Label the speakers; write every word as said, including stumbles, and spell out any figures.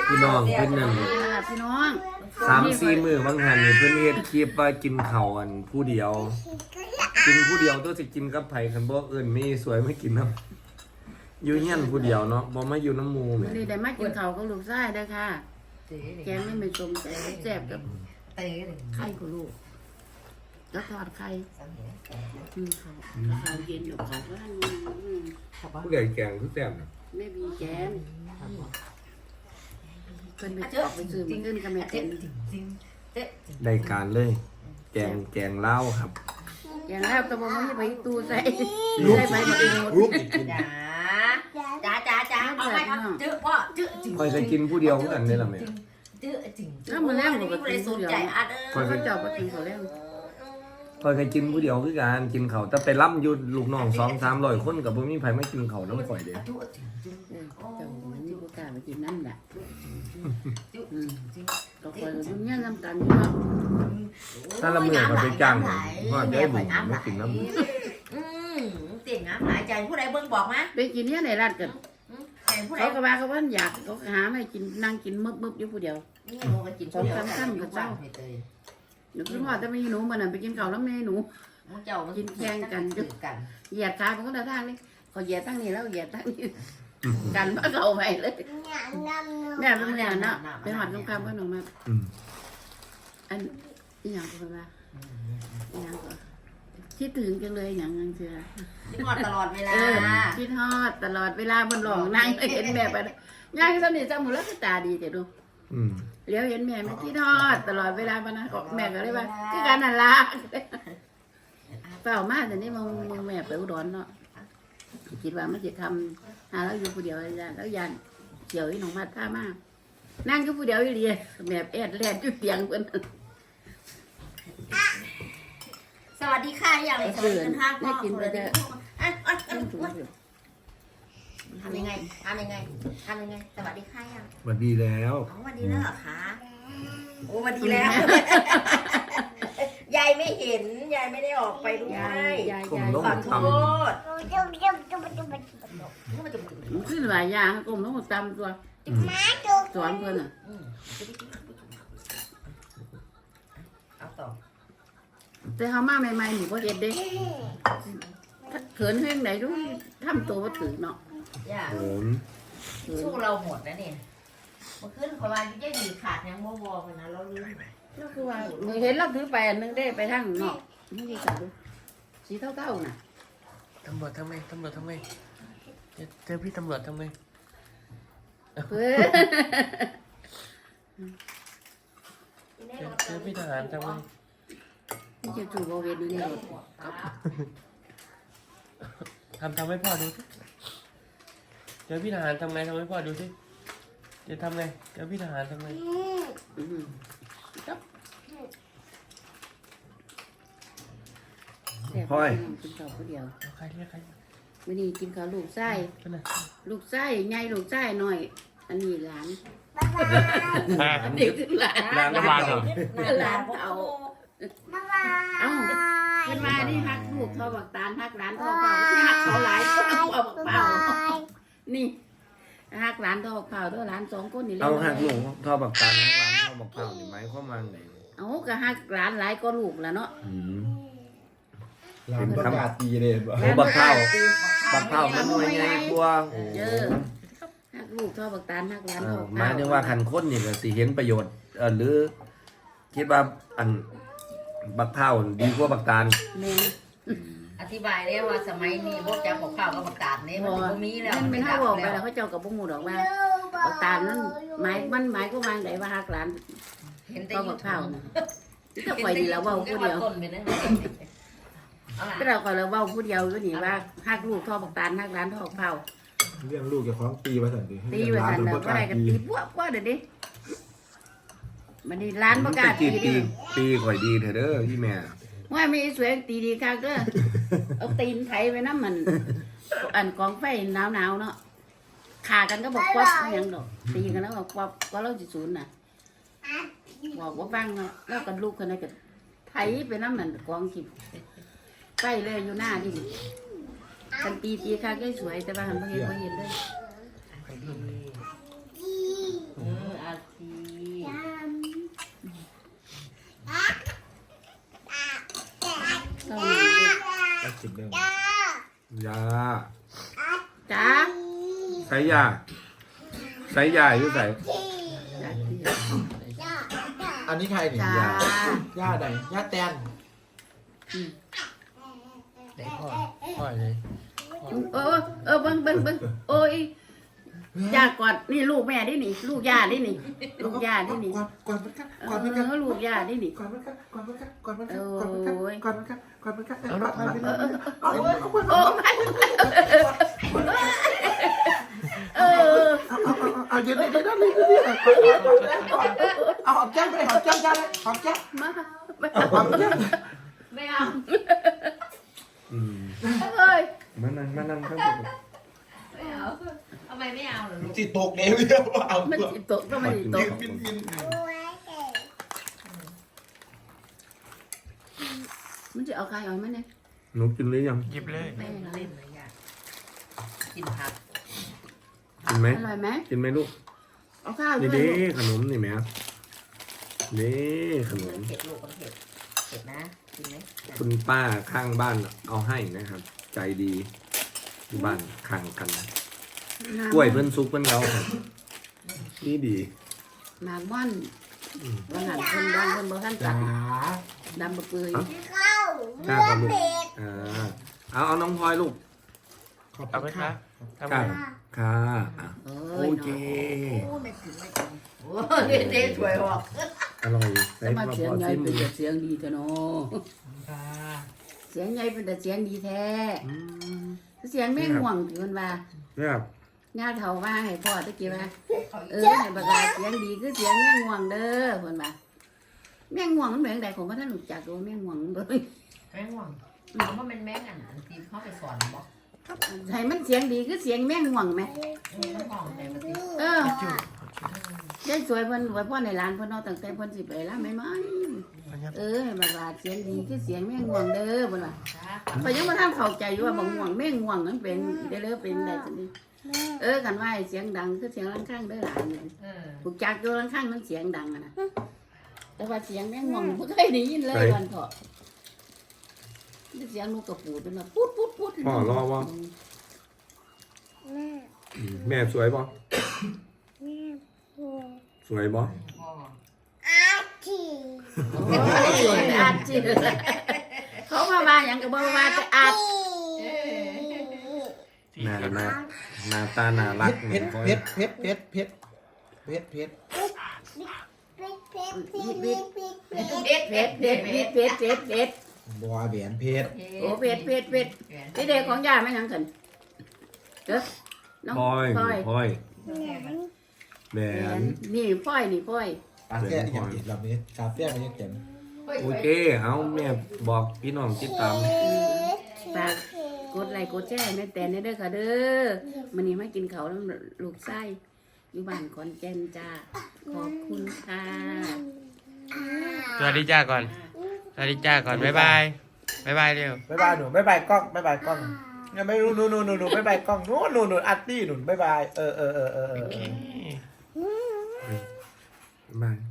Speaker 1: พี่น้องเพิ่นนั่น
Speaker 2: พี่น้อง
Speaker 1: สามสี่มื้อบางหันนี่เพิ่นเฮ็ดคลิปว่ากินข้าวอันผู้เดียว กินผู้เดียวตัวสิกินกับไผคันบ่เอิ้นมีสวยไม่กินนำอยู่เฮียนผู้เดียวเนาะบ่มาอยู่น้ำหมู่แหม
Speaker 2: วันนี้ได้มากินข้าวกับลูกชายเด้อค่ะแกงไม่เป็นสมแซ่บกับไข่กับลูกแล้วทอดไข่อืมข้าวข้าวเย็นอยู่ข้าวก็ได้อืม
Speaker 1: ผู้ใดแกงคือแซ่บน่ะ
Speaker 2: ไม่มีแกงเพิ่นไปออกไปซื้อมาขึ้นกับแม่เต็น
Speaker 1: ได้การเลย แกงแกงลาวครับ
Speaker 2: อย่างแล้วตะบนมันไปตู้ใส่ใส่ไปหมดเอง
Speaker 1: รูป
Speaker 3: จ้าจ้าจ้าจ้าเอาไปครับจื้อพ่อจื้อจริง
Speaker 1: ค่อยจะกินผู้เดียวคือกันนี่ล่ะแม่
Speaker 3: จื้อจริง
Speaker 2: แล้วมันแล้วมันก็
Speaker 3: ไม่
Speaker 2: กิ
Speaker 3: ได้
Speaker 2: น
Speaker 3: ส
Speaker 2: ผู้
Speaker 3: น
Speaker 2: เดียว
Speaker 3: ใจอัดเอ
Speaker 2: คอย
Speaker 3: อ
Speaker 2: ไปเจ้าไปกินเขาแล้ว
Speaker 1: ค่อยจะกินผู้เดียวคือกันกินข้าวแต่ไปล่ำอยู่ลูกน้องสองสามร้อยคนก็บ่มีไผมากินข้าวน้ำข่อยเด้
Speaker 3: จื้อจริงจริง
Speaker 2: เออเจ้ามันนี่ก็กล้าไปกินนั่นแหละ
Speaker 3: จื้อจริง
Speaker 2: ก็คอยมันเนี่ยน้ำกันอยู่เนาะ
Speaker 1: ถ้าละมื้อก็ไปจ้างว่าได้บุญมากินน้ำ
Speaker 3: อืมเตียงน้ำหลายใจผู้ใดเบิ่งบอกมา
Speaker 2: ไปกินเนี่ยในร้านกัน
Speaker 3: แต่ผู้ใด
Speaker 2: เขาก็ว่าเขาว่าอยากเขาหาไม่กินนั่งกินมึบมึบอยู่ผู้เดียว
Speaker 3: นี่โมก็กินผู้เดียว
Speaker 2: หนูคิดว่าจะไม่หนูมันไปกินข้าวแล้วไม่หนู
Speaker 3: มึงเจ้ากินแข่งกันกัน
Speaker 2: เหยียดขาเขาก็ได้ทางเลยเขาเหยียดตั้งนี้แล้วเหยียดตั้งนี้กันมาเขาไปเลยแม่เป็นอย่างนั้นไปหอดตรงข้ามก็หนูมา
Speaker 1: อืม
Speaker 2: อันอีหยังก็ว่าอีหยังก็คิดถึงจังเลยอย่างนั้นเชียว
Speaker 3: ที่หอดตลอดเวลา
Speaker 2: เออคิดฮอดตลอดเวลาบนหลองนั่งเห็นแม่ไปย่างสนิทจำหมูแล้วก็ตาดีแต่ดู
Speaker 1: อืม
Speaker 2: เลี้ยวเห็นแม่ไม่คิดฮอดตลอดเวลาปะนะก็แม่ก็เลยว่าคือการนั่นละเปล่ามากแต่นี่มึงมึงแม่ไปอุดรเนาะคิดว่ามันจะทำหาแล้วอยู่ผู้เดียวแล้วยันเกี่ยวที่หนองมาท่ามากนั่งอยู่ผู้เดียวอยู่ดีแม่แอดแลนจุดเตียงเพิ่น
Speaker 3: สวัสดีค่ะอย่างสวัสดีกันค่ะพ่อคุณเลยอ่ะอ่ะทำยังไงทำยังไงทำยังไงสวัสดีค่ะยัง
Speaker 1: สวัสดีแล้ว
Speaker 3: อ๋อวันดีแล้วเหรอคะโอ้วันดีแล้วยายไม่เห็นยายไม่ได้ออกไปด้วย
Speaker 2: ยายยายยาย
Speaker 3: ขอโทษ
Speaker 2: มันขึ้นหลายอย่างกลมต้องตามตัวสอนเพิ่นอ่ะ
Speaker 3: เอาต่อ
Speaker 2: แต่เขามาใหม่ๆหนูก็เห็นเด้เขินเรื่องไหนรู้ทำตัวว่าถือเนาะ
Speaker 3: ย่า
Speaker 1: โหน
Speaker 3: สู้เราหมดนะเนี่ยเมื่อคืนประมาณยี่สิบขาดยังโมโมกันนะเราลืม
Speaker 2: ก็คือว่าเห็นเราถือไปอันนึงได้ไปทางนอกนี่ดีจังสีเท่าๆน่ะ
Speaker 4: ตำรวจทำไมตำรวจทำไมเจอเจอพี่ตำรวจทำไม
Speaker 2: เฮ้ย
Speaker 4: เจอเจอพี่ทหารทำไม
Speaker 2: นี่จะถูกโบเวนนี่รถ
Speaker 4: ทำทำให้พ่อดูสิเจอพี่ทหารทำไงทำให้พ่อดูสิจะทำไงเจอพี่ทหารทำไง
Speaker 1: พ่อย
Speaker 2: กินข้าวผู้เดียว
Speaker 4: เอาใครเรียกใคร
Speaker 2: วันนี้กินข้าวลูกไส้
Speaker 4: กันนะ
Speaker 2: ลูกไส้ไงลูกไส้หน่อย อันนี้หลานอันนี้คือหลาน
Speaker 4: นางน้ำลายเหรอ
Speaker 2: หลานเอาเอ้าเป็นมานี่ฮักลูกทอบักตาลฮักหลานทอเผาที่ฮักเขาหลายก็เอาบักเผานี่ฮักหลานทอบักเผาตัวหลานสองคนนี่
Speaker 1: เอาหักหลงทอบักตันหักหลานทอบักเผานี่ไหมข้อมาไหน
Speaker 2: เอาก็ฮักหลานหลายก็ลูกแล้วเนาะ
Speaker 1: อืม
Speaker 5: ร้านประกาศตีเลยบ่
Speaker 1: โอ้บักเผาบักเผามันหน่วยใหญ่กว่าโอ้
Speaker 2: เยอะฮักลูกทอบักตาลฮักหลาน
Speaker 1: เอ
Speaker 2: ทอ
Speaker 1: อ
Speaker 2: บัก
Speaker 1: หมายถึงว่าคันคนนี่ก็สิเห็นประโยชน์เออหรือ คิดว่าอันบักเผาดีกว่าบักตาล
Speaker 2: แม่
Speaker 3: อธิบายแล้วว่าสมัยนี้พวกจะบอกข้าวกับบักตาดนี่มันบ่มีแล้ว
Speaker 2: มันไม่เท่าบอกไปแล้วเขาเจ้ากับบุ้งหมูดอกว่าบักตาลนั้นหมายมันหมายก็วางไหนว่าฮักหลาน
Speaker 3: เห็นแต่
Speaker 2: ก็
Speaker 3: ยู
Speaker 2: บัก
Speaker 3: ทู
Speaker 2: เผา
Speaker 3: บ
Speaker 2: นะที่คอยดีแล้วเว้าผู้เดียว
Speaker 3: ต้นไปนั่นเอาล่ะ
Speaker 2: ก็เราคอยเราเว้าผู้เดียวก็นี่ว่าฮักลูกทอบักตาลฮักหลานทอบักเผา
Speaker 5: เรื่องลูกจะคล้องตีมาสันติ
Speaker 2: ตีไปทันแล้วก็ได้กันตีพวกพวกเดี๋ยวนี้มันนี่ร้านประกาศ
Speaker 1: ตี
Speaker 2: ตี
Speaker 1: ตี
Speaker 2: ดิ
Speaker 1: ตีข่อยดีเถอะเด้อพี่แม่
Speaker 2: ว่ามีสวยตีดีค่ะก็เอาตีนไถไปน้ำมัน อันกองไฟหนาวหนาวเนาะขากันก็บอกควับยังดอกตีกันแล้วบอกควับก็เล่าจิศูนย์น่ะบอกว่าฟังเนาะแล้วกันลูกคนนั้นก็ไถไปน้ำมันกองขิบใกล้เลยอยู่หน้าดิกันตีตีค่ะก็สวยแต่ว่าหันไม่เห็นไม่เห็นเลย
Speaker 3: เออเอา
Speaker 1: ส่ยาใส่ยาอยู่ใส่
Speaker 5: อันนี้ใครเนี่ย
Speaker 2: จ้า
Speaker 5: ย่าไหนย่าแตน
Speaker 4: ไหนพ่อพ่อเลย
Speaker 2: เออเออเบิ้งเบิ้งเบิ้งโอ้ยย่ากอดนี่ลูกแม่ดินี่ ลูกย่าดินี่ ลูกย่าดินี่
Speaker 5: ก่อนก่อนมันกัน
Speaker 2: เอ
Speaker 5: ก่อนมันกัน
Speaker 2: อลูกย่าดินี่
Speaker 5: ก่อนมันกันก่อนมันกันก่อนมันกันก่อนมันกันก่อนมันกันก่อนมันกัน
Speaker 4: เอาน้องพลอยไป
Speaker 5: เอ
Speaker 4: เลย
Speaker 5: าเอาเอา
Speaker 2: โอ้ไม่เออ
Speaker 5: เอาเย็นเลยนะเลยเอาหอมแก้มไปหอมแก้มจ้าเลยหอมแก้ม
Speaker 2: มา
Speaker 5: หอมแก้ม
Speaker 3: ไม่เอา
Speaker 1: อืม
Speaker 2: เอ้ย
Speaker 1: มานั่งมานั่งครับ
Speaker 3: ไม่เอาทำไมไม่เอาเหรอลูก
Speaker 5: จิตตกเอวเดียวเอา
Speaker 2: มัน
Speaker 5: ตัว
Speaker 2: สิตกก็มันสิตก
Speaker 5: บินบิน
Speaker 2: มันจะเอาใครเอาไหมเนี่ย
Speaker 1: หนูกินหรือยัง
Speaker 4: หยิบเลย
Speaker 3: ไม่เล่นนะยากกินผัก
Speaker 1: กินไหม
Speaker 2: อร่อยไหม
Speaker 1: กินไหมลูก
Speaker 2: เอาข้าวด้
Speaker 1: นี่
Speaker 2: วย
Speaker 1: เด้
Speaker 2: ลูก
Speaker 1: ขนมนี่แหม่นี่ขนม
Speaker 3: เผ็ดลูกมันเผ็ดเผ็ดนะกินไหม
Speaker 1: คุณป้าข้างบ้านเอาให้นะครับ ใจดีที่บ้านข้างกันกล้วยเพิ่นซุกเพิ่นเอาครับนี่ดี
Speaker 2: หมากม่อนวันหันคนดังคนบ่ทันตั
Speaker 5: จ๋า
Speaker 2: ดดำบะเปื่อย
Speaker 1: กล้ากับลูกอ่าเอาเอาน้องพลอยลูก
Speaker 5: ขอบ
Speaker 4: เอา
Speaker 5: คุ
Speaker 4: ไป
Speaker 5: ณ
Speaker 4: คะ
Speaker 5: ค่ะ
Speaker 4: ทำ
Speaker 1: ค่ะ
Speaker 4: ไง
Speaker 1: ค่ะอ่ะ
Speaker 2: เอ้
Speaker 1: โอย เค
Speaker 2: เนาะ
Speaker 3: โอ้ไม่ถึงไม่ถึงโอ้เด็ดเด็ดสวยออก
Speaker 1: อร่อย
Speaker 2: สมาเสียงใหญ่เป็นแต่เสียงดีเถอะเนาะ
Speaker 5: ค่ะ
Speaker 2: เสียงใหญ่เป็นแต่เสียงดีแท้
Speaker 1: อืม
Speaker 2: เสียงไม่ห่วงถือมันว่า
Speaker 1: เนี่ยครับ
Speaker 2: ญาติเฒ่าว่าให้พ่อตะกี้ว่าเออให้บักลาเสียงดีคือเสียงแม่ง่วงเด้อเพิ่นว่าแม่ง่วงมันเป็นจังไดของบ่ทันรู้จักว่าแม่ง่วงมันบ่
Speaker 3: แม่งห่วงเอาว่ามันแม่งอ่ะทีเขาไปสอนบอก
Speaker 2: ให้มันเสียงดีคือเสียงแม่ง่วงแม่
Speaker 3: มันห่วงแต่มันสิ
Speaker 2: เออ ได้สวยเพิ่นไว้พ่อในร้านเพิ่นเอาตั้งแต่เพิ่นสิไปแล้วไหมมั้ยเออให้บักลาเสียงดีคือเสียงแม่ง่วงเด้อเพิ่นว่า
Speaker 3: จ้า
Speaker 2: พอยยังบ่ทันเข้าใจอยู่ว่าบ่ง่วงแม่ง่วงมันเป็นได้เลยเป็นได้จังนี้เออกันว่าให้เสียงดังคือเสียงรังข้างเด้อหลานเนี่ย
Speaker 3: เออ
Speaker 2: ผูกจักอยู่รังข้างมันเสียงดังอะนะแต่ว่าเสียงแม่ง่วงบ่เคยได้ยินเลยวันเถาะเสียงนกกระปูดเป็นแบบปุ๊ดปุ๊ดปุ๊ด
Speaker 1: พ่อรอว่าแม่สวยป่ะสวยป่ะ
Speaker 3: พ่อ
Speaker 2: โอ้ยสวยอาจีเขามาว่าหยังก็บ่ว่าแต่อาจ
Speaker 3: เออ
Speaker 1: หน้าหน้าหน้าตาน่ารัก
Speaker 5: เพชรเพชรเพชรเพชรเพชรเพชรเพชร
Speaker 2: เผ็ดเผ็ดเผ็ดเผ็ดเผ็ดเผ็ดเผ็ด
Speaker 5: บัวแหวนเพชร
Speaker 2: โอ้เผ็ดเผ็ดเผ็ดที่เด็กของย่าไม่ยังกันเด้อน้อง
Speaker 1: พลอย
Speaker 2: พลอย
Speaker 1: พลอยแหว
Speaker 2: แหวน
Speaker 1: น
Speaker 2: นี่พลอยนี่พลอย
Speaker 5: ปาเต้อย่างติดลำนี้คาเฟ่มันยังเขียน
Speaker 1: โอเคเอาแม่บอกพี่น้องติดตาม
Speaker 2: ฝากกดไลค์กดแชร์แม่แต่เด้อค่ะเด้อมื้อนี้มากินข้าวน้ำลูกไส้อยู่บ้านขอนแก่นจ้าขอบคุณค่ะ
Speaker 4: สวัสดีจ้าก่อน สวัสดีจ้าก่อน บ๊ายบาย บ๊ายบายเร็ว
Speaker 5: บ๊ายบายหนูบ๊ายบายกล้องบ๊ายบายกล้องยังไม่รู้หนูหนูหนูหนูบ๊ายบายกล้องหนูหนูหนูอาร์ตี้หนูบ๊ายบายเออเออเออเออเออ
Speaker 1: บาย